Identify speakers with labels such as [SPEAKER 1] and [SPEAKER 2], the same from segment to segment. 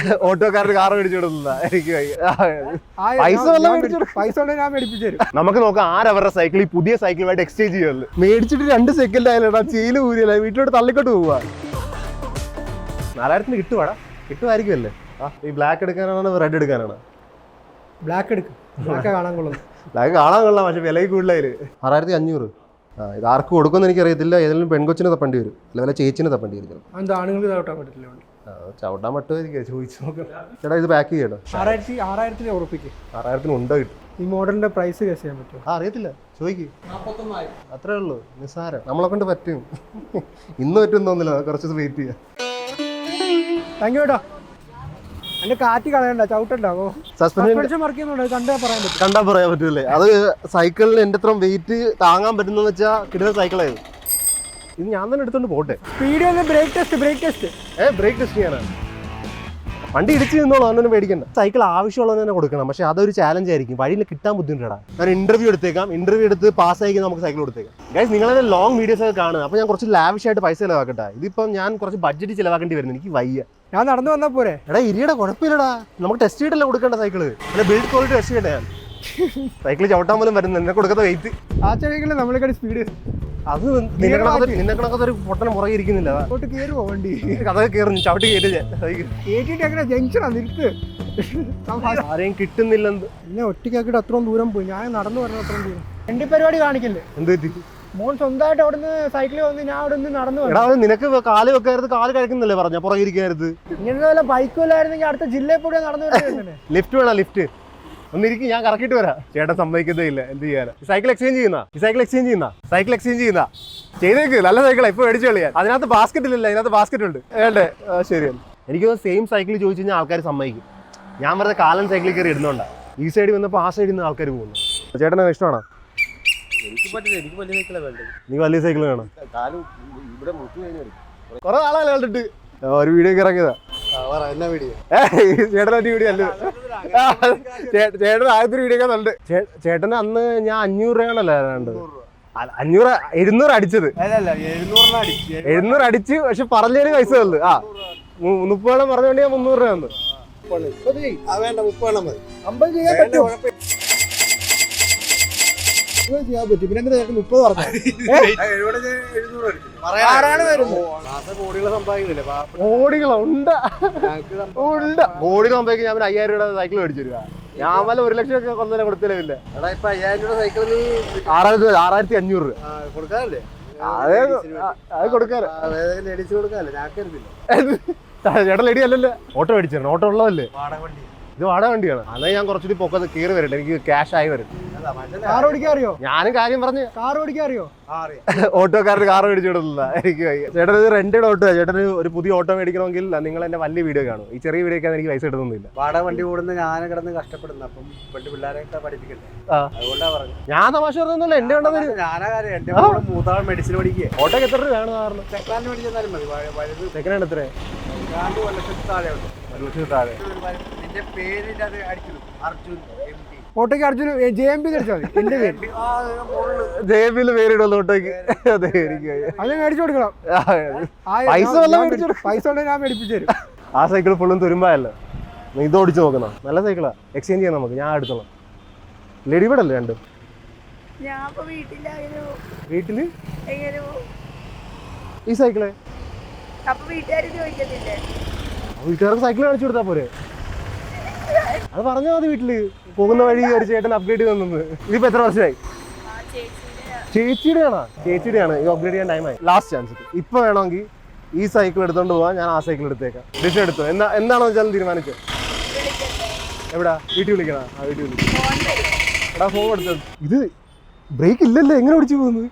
[SPEAKER 1] ഓട്ടോക്കാരുടെ car മേടിച്ചു കൊടുക്കുന്ന എനിക്ക്
[SPEAKER 2] പൈസ ഞാൻ മേടിപ്പിച്ചു തരും.
[SPEAKER 1] നമുക്ക് നോക്കാം ആരവരുടെ സൈക്കിൾ ഈ പുതിയ സൈക്കിളുമായിട്ട് എക്സ്ചേഞ്ച് ചെയ്യുള്ളൂ. മേടിച്ചിട്ട് 2 സെക്കൻഡ് ആയാലും ചെയില് ഊരിയല്ല വീട്ടിലോട്ട് തള്ളിക്കോട്ട് പോവാ. 4000 കിട്ടുവാടാ, കിട്ടുമായിരിക്കുമല്ലേ? ഈ ബ്ലാക്ക് എടുക്കാനാണോ റെഡ് എടുക്കാനാണോ?
[SPEAKER 2] ബ്ലാക്ക് എടുക്കും. ബ്ലാക്ക് കാണാൻ കൊള്ളാം.
[SPEAKER 1] ബ്ലാക്ക് കാണാൻ കൊള്ളാം, പക്ഷെ വില കൂടുതലായി. 6500. ഇത് ആർക്ക് കൊടുക്കുമെന്ന് എനിക്കറിയത്തില്ല. ഏതെങ്കിലും പെൺകൊച്ചിനെ തപ്പേണ്ടി വരും, അല്ലെങ്കിൽ ചേച്ചിനെ തപ്പേണ്ടി വരും.
[SPEAKER 2] അത് ആണുങ്ങൾക്ക് ചവിട്ടാൻ പറ്റില്ല.
[SPEAKER 1] ചവിട്ടാൻ പറ്റുമായിരിക്കും, ചോദിച്ചു നോക്കാം. ചേട്ടാ ഇത് പാക്ക് ചെയ്യണം.
[SPEAKER 2] 6000 ഉറപ്പിക്കും.
[SPEAKER 1] 6000 ഉണ്ടോ കിട്ടും.
[SPEAKER 2] ഈ മോഡലിന്റെ പ്രൈസ് ഗസ് ചെയ്യാൻ പറ്റുമോ?
[SPEAKER 1] അറിയത്തില്ല, ചോദിക്കും. 49,000 അത്രേ ഉള്ളൂ, നിസ്സാരം. നമ്മളെ കൊണ്ട് പറ്റും. ഇന്ന് പറ്റും തോന്നില്ല, കുറച്ച് വെയിറ്റ് ചെയ്യാം.
[SPEAKER 2] താങ്ക് യു കേട്ടോ. എന്റെ കാറ്റ് കളയണ്ട, ചവിട്ടുണ്ടാവോ? സസ്പെൻഷൻ വർക്ക് ചെയ്യുന്നുണ്ട്, കണ്ടാ
[SPEAKER 1] പറയാൻ പറ്റൂലേ? അത് സൈക്കിളിൽ എന്റെ അത്ര വെയിറ്റ് താങ്ങാൻ പറ്റുന്ന വെച്ചാൽ കിട്ടുന്ന സൈക്കിളായിരുന്നു. ഇത് ഞാൻ തന്നെ എടുത്തോണ്ട് പോട്ടെ.
[SPEAKER 2] Speed brake test
[SPEAKER 1] brake test ചെയ്യാനാണ്. വണ്ടി ഇടിച്ച് നിന്നോളൂ, അതൊന്നും പേടിക്കണ്ട. സൈക്കിൾ ആവശ്യമുള്ളത് തന്നെ കൊടുക്കണം, പക്ഷെ അതൊരു ചാലഞ്ച് ആയിരിക്കും. വഴിയിൽ കിട്ടാൻ ബുദ്ധിമുട്ടാ. ഞാൻ ഇന്റർവ്യൂ എടുത്തേക്കാം, ഇന്റർവ്യൂ എടുത്ത് പാസ്സായി നമുക്ക് സൈക്കിൾ കൊടുത്തേക്കാം. ഗൈസ്, നിങ്ങളെ ലോങ് വീഡിയോസ് ഒക്കെ കാണുക, അപ്പോൾ ഞാൻ കുറച്ച് ലാവിഷായിട്ട് പൈസ ചിലവാക്കട്ടെ. ഇതിപ്പം ഞാൻ കുറച്ച് ബഡ്ജറ്റ് ചിലവാക്കേണ്ടി വരുന്നു, എനിക്ക് വയ്യ.
[SPEAKER 2] ഞാൻ നടന്നു വന്നാൽ പോരെ?
[SPEAKER 1] എടാ ഇരിയുടെ കുഴപ്പമില്ലടാ, നമുക്ക് ടെസ്റ്റ് ചെയ്തിട്ടല്ലേ കൊടുക്കേണ്ട സൈക്കിള്. അല്ല ബിൽഡ് ക്വാളിറ്റി ടെസ്റ്റ് ചെയ്യട്ടെ. ഞാൻ സൈക്കിൾ ചവിട്ടാൻ പോലും വരുന്നത് എന്നെ കൊടുക്കുന്ന വെയിറ്റ്.
[SPEAKER 2] ആ സൈക്കിളിൽ നമ്മളെക്കാൾ സ്പീഡ്.
[SPEAKER 1] അത് നിന്നെ കണക്കത്തൊരു പൊട്ടനെ പുറകെ ഇരിക്കുന്നില്ല.
[SPEAKER 2] കയറുമോ വണ്ടി?
[SPEAKER 1] കഥ കയറുന്നു, ചവിട്ടി
[SPEAKER 2] കേട്ടിട്ട് എങ്ങനെ ജംഗ്ഷനാ നിർത്ത്.
[SPEAKER 1] ആരെയും കിട്ടുന്നില്ലെന്ന്.
[SPEAKER 2] എന്നെ ഒറ്റയ്ക്കാക്കിട്ട് അത്രയും ദൂരം പോയി. ഞാൻ നടന്നു പറഞ്ഞ അത്രയും ദൂരം. വണ്ടി പരിപാടി കാണിക്കല്ലേ?
[SPEAKER 1] എന്ത് പറ്റി?
[SPEAKER 2] മോൻ സ്വന്തമായിട്ട് അവിടുന്ന് സൈക്കിളിൽ വന്ന് ഞാൻ അവിടെ നിന്ന് നടന്നു.
[SPEAKER 1] എടാ നിനക്ക് കാല് വെക്കായിരുന്നു, കാല് കഴിക്കുന്നല്ലേ പറഞ്ഞ, പുറകെ ഇരിക്കരുത്.
[SPEAKER 2] ഇങ്ങനെ വല്ല ബൈക്കില്ലായിരുന്നെങ്കിൽ അടുത്ത ജില്ലയിൽ കൂടെ നടന്നു വരുന്നത്.
[SPEAKER 1] ലിഫ്റ്റ് വേണം, ലിഫ്റ്റ്. ഒന്നിരിക്കും, ഞാൻ കറക്കിയിട്ട് വരാം. ചേട്ടൻ സമ്മതിക്കുന്നേ ഇല്ല, എന്ത് ചെയ്യാനാ? സൈക്കിൾ എക്സ്ചേഞ്ച് ചെയ്യുന്ന ചെയ്തേക്ക്. നല്ല സൈക്കിളാ, ഇപ്പൊ മേടിച്ചു കളിയാൻ. അതിനകത്ത് ബാസ്ക്കറ്റ് ഇല്ലല്ലോ, അതിനകത്ത് ബാസ്ക്കറ്റ് ഉണ്ട്. വേണ്ടേ? ശരിയാണ്. എനിക്ക് സെയിം സൈക്കിൾ ചോദിച്ചു കഴിഞ്ഞാൽ ആൾക്കാർ സമ്മതിക്കും. ഞാൻ വെറുതെ കാലൻ സൈക്കിളിൽ കയറി ഇടുന്നോണ്ടാ. ഈ സൈഡിൽ വന്നപ്പോൾ ആ സൈഡിൽ നിന്ന് ആൾക്കാർ പോകുന്നു. ചേട്ടനെ ഇഷ്ടമാണോ? നീ വലിയ സൈക്കിൾ വേണം. കുറെ ആളല്ലേ കണ്ടിട്ട് ഒരു വീഡിയോ ഇറങ്ങിയതാ. ചേട്ടൻ വീഡിയോ അല്ല, ചേട്ടൻ ആദ്യത്തെ വീഡിയോ ഒക്കെ കണ്ട്. ചേട്ടന് അന്ന് ഞാൻ 500 രൂപയാണല്ലോ ഏതാണ്ട്. 700 അടിച്ചത്. 700 അടിച്ച്, പക്ഷെ പറഞ്ഞതിന് പൈസ തന്നു. 30 പറഞ്ഞോണ്ട് ഞാൻ 300 രൂപ തന്നു.
[SPEAKER 2] ചെയ്യാൻ പറ്റും. പിന്നെ 30 പറഞ്ഞു.
[SPEAKER 1] കോടികളോ ഉണ്ട്, കോടികൾ സമ്പാദിക്കും. ഞാൻ 5000 രൂപ സൈക്കിൾ മേടിച്ചു തരുക. ഞാൻ വല്ല 1 ലക്ഷം ഒക്കെ കൊന്നതിനെ കൊടുത്തില്ല.
[SPEAKER 2] 5000 രൂപ സൈക്കിളിൽ
[SPEAKER 1] 6500 രൂപ
[SPEAKER 2] കൊടുക്കാറില്ലേ?
[SPEAKER 1] അത് കൊടുക്കാറ്. ചേട്ടൻ ലെഡി അല്ലല്ലോ, ഓട്ടോ മേടിച്ചിരുന്നു. ഓട്ടോ ഉള്ളതല്ലേ? ഇത് വാടക വണ്ടിയാണ്. അന്നേ ഞാൻ കുറച്ചുകൂടി പൊക്കത്ത് കയറി വരട്ടെ, എനിക്ക് ക്യാഷ് ആയി വരും.
[SPEAKER 2] കാർ ഓടിക്കാൻ അറിയോ?
[SPEAKER 1] ഞാനും കാര്യം പറഞ്ഞു.
[SPEAKER 2] കാർ ഓടിക്കാൻ അറിയോ?
[SPEAKER 1] ഓട്ടോക്കാരുടെ കാർ മേടിച്ചു കൊടുക്കില്ല എനിക്ക്. ചേട്ടൻ ഇത് റെന്റഡ് ഓട്ടോ. ചേട്ടന് ഒരു പുതിയ ഓട്ടോ മേടിക്കണമെങ്കിൽ നിങ്ങൾ എന്റെ വലിയ വീഡിയോ കാണും. ഈ ചെറിയ വീഡിയോക്ക് എനിക്ക് പൈസ കിട്ടുന്നില്ല.
[SPEAKER 2] വാടക വണ്ടി കൂടുന്ന ഞാൻ കിടന്ന് കഷ്ടപ്പെടുന്നു. അപ്പം പിള്ളേരെയൊക്കെ പഠിപ്പിക്കട്ടെ, അതുകൊണ്ടാ പറഞ്ഞു.
[SPEAKER 1] ഞാൻ തമാശ പറഞ്ഞൊന്നുമില്ല, എന്റെ കണ്ടത്
[SPEAKER 2] ഞാനാ കാര്യം. എന്റെ മൂത്താൾ മെഡിസിൻ പഠിക്കുക.
[SPEAKER 1] ഓട്ടോക്ക് എത്ര രൂപ വേണം? കാരണം
[SPEAKER 2] സെക്കൻഡ് മേടിച്ചാലും മതി.
[SPEAKER 1] സെക്കൻഡ് എത്ര?
[SPEAKER 2] 1 ലക്ഷത്തിൽ താഴെ ഉണ്ട്.
[SPEAKER 1] 1 ലക്ഷത്തിൽ താഴെ.
[SPEAKER 2] നിന്റെ പേരിന്റെ അത് അടിക്കുന്നു, അർജുൻ MP. ഓട്ടോക്ക് അർജുൻ JMP അടിച്ചാൽ മതി. എന്റെ പേര്
[SPEAKER 1] JMP പേരിടുള്ളൂ ഓട്ടോക്ക്.
[SPEAKER 2] അത് മേടിച്ചു കൊടുക്കണം. പൈസ ഉണ്ടെങ്കിൽ ഞാൻ മേടിപ്പിച്ചു തരും.
[SPEAKER 1] ആ സൈക്കിൾ ഫുള്ളും തുരുമ്പായല്ലോ. ഇത് ഓടിച്ചു നോക്കുന്ന നല്ല സൈക്കിളാ, എക്സ്ചേഞ്ച് ചെയ്യാം നമുക്ക്. ഞാൻ എടുത്തോളാം. ലേഡി ബേർഡല്ലേ രണ്ടും? വീട്ടില് ഈ സൈക്കിള് വീട്ടുകാർക്ക് സൈക്കിൾ കാണിച്ചു കൊടുത്താ പോരെ? അത് പറഞ്ഞാൽ മതി. വീട്ടില് പോകുന്ന വഴി ഒരു ചേട്ടൻ അപ്ഗ്രേഡ് തന്നത്. ഇതിപ്പോ എത്ര വർഷമായി? ചേച്ചിയുടെയാണോ? ചേച്ചിയുടെയാണ്. ഈ അപ്ഗ്രേഡ് ചെയ്യാൻ ടൈമായി. Last chance. ഇപ്പൊ വേണമെങ്കിൽ ഈ സൈക്കിൾ എടുത്തോണ്ട് പോവാൻ, ഞാൻ ആ സൈക്കിൾ എടുത്തേക്കാം. ഡിസിഷൻ എടുത്തോ? എന്താണോ വെച്ചാലും തീരുമാനിച്ചോ. എവിടാ? വീട്ടിൽ വിളിക്കണോ? ആ വീട്ടിൽ വിളിക്കും. എടാ ഫോൺ എടുത്തത്. ഇത് ബ്രേക്ക് ഇല്ലല്ലോ, എങ്ങനെ ഓടിച്ചു പോകുന്നത്?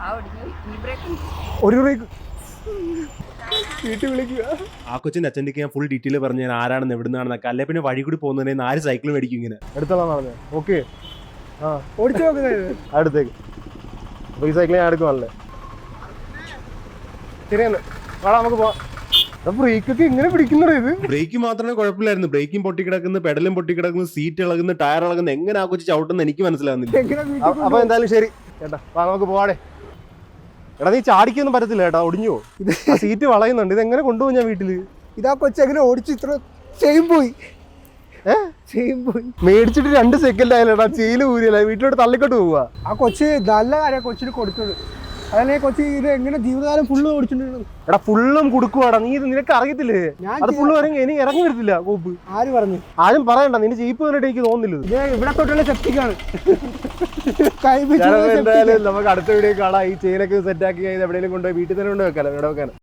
[SPEAKER 1] ഒരു ബ്രേക്ക് വീട്ടിൽ വിളിക്കുക. ആ കൊച്ചിന്റെ അച്ഛൻ്റെ ഞാൻ ഫുൾ ഡീറ്റെയിൽ പറഞ്ഞു ഞാൻ ആരാണെന്ന് എവിടുന്നാണെന്നൊക്കെ. അല്ലെ പിന്നെ വഴി കൂടി പോകുന്നതിന് 4 സൈക്കിൾ മേടിക്കും ഇങ്ങനെ. എടുത്തോളാം പറഞ്ഞത്. ഓക്കെ,
[SPEAKER 2] ഓടിച്ചു നോക്കുന്നത്
[SPEAKER 1] അടുത്തേക്ക്. അപ്പൊ ഈ സൈക്കിൾ ഞാൻ എടുക്കുവാണല്ലേ. ശരിയെന്ന് വേണം, നമുക്ക് പോവാം. ബ്രേക്കൊക്കെ എങ്ങനെ പിടിക്കുന്നത്? ഇത് ബ്രേക്ക് മാത്രമേ കുഴപ്പമില്ലായിരുന്നു. ബ്രേക്കും പൊട്ടിക്കിടക്കുന്നു, പെഡലും പൊട്ടിക്കിടക്കുന്നു, സീറ്റ് ഇളകുന്നു, ടയർ ഇളകുന്നു. എങ്ങനെ ആ കൊച്ചു ചവിട്ടുന്ന എനിക്ക് മനസ്സിലാവുന്നില്ല. അപ്പൊ എന്തായാലും ശരി ചേട്ടാ, നമുക്ക് പോവാടേ. എടാ നീ ചാടിക്കൊന്നും പറ്റത്തില്ല കേട്ടാ, ഒടിഞ്ഞോ? സീറ്റ് വളയുന്നുണ്ട്. ഇതെങ്ങനെ കൊണ്ടുപോകും ഞാൻ വീട്ടില്?
[SPEAKER 2] ഇതാ കൊച്ചെങ്ങനെ ഓടിച്ചു ഇത്ര ചെയിൻ പോയി
[SPEAKER 1] ഏഹ്
[SPEAKER 2] ചെയിൻ പോയി.
[SPEAKER 1] മേടിച്ചിട്ട് 2 സെക്കൻഡ് ആയാലടാ ചെയില് ഊരിയല്ല, വീട്ടിലോട്ട് തള്ളിക്കോട്ട് പോവാ.
[SPEAKER 2] ആ കൊച്ച് നല്ല കാര്യം കൊച്ചിന് കൊടുത്തത്. അതല്ലേ കൊച്ചി ഇത് എങ്ങനെ ജീവിതകാലം ഫുള്ള് ഓടിച്ചിട്ടുണ്ട്.
[SPEAKER 1] എടാ ഫുള്ളും കൊടുക്കുവാടാ, നീ ഇത് നിനക്ക് അറിയത്തില്ലേ?
[SPEAKER 2] ഞാൻ
[SPEAKER 1] അത് ഫുള്ള് ഇറങ്ങി ഇനി ഇറങ്ങി വരത്തില്ല കോപ്പ്.
[SPEAKER 2] ആര് പറഞ്ഞു?
[SPEAKER 1] ആരും പറയണ്ട, നിന്റെ ജീപ്പ് കണ്ടിട്ട് എനിക്ക് തോന്നുന്നില്ല.
[SPEAKER 2] ഇത് ഇവിടെ തൊട്ടുള്ള സെപ്റ്റിക്കാണ്.
[SPEAKER 1] എന്തായാലും നമുക്ക് അടുത്ത വീഡിയോ കാണാം. ഈ ചെയിനൊക്കെ സെറ്റ് ആക്കി എവിടെയെങ്കിലും കൊണ്ടുപോയി വീട്ടിൽ തന്നെ കൊണ്ട് വെക്കാലോ, ഇവിടെ വെക്കാൻ.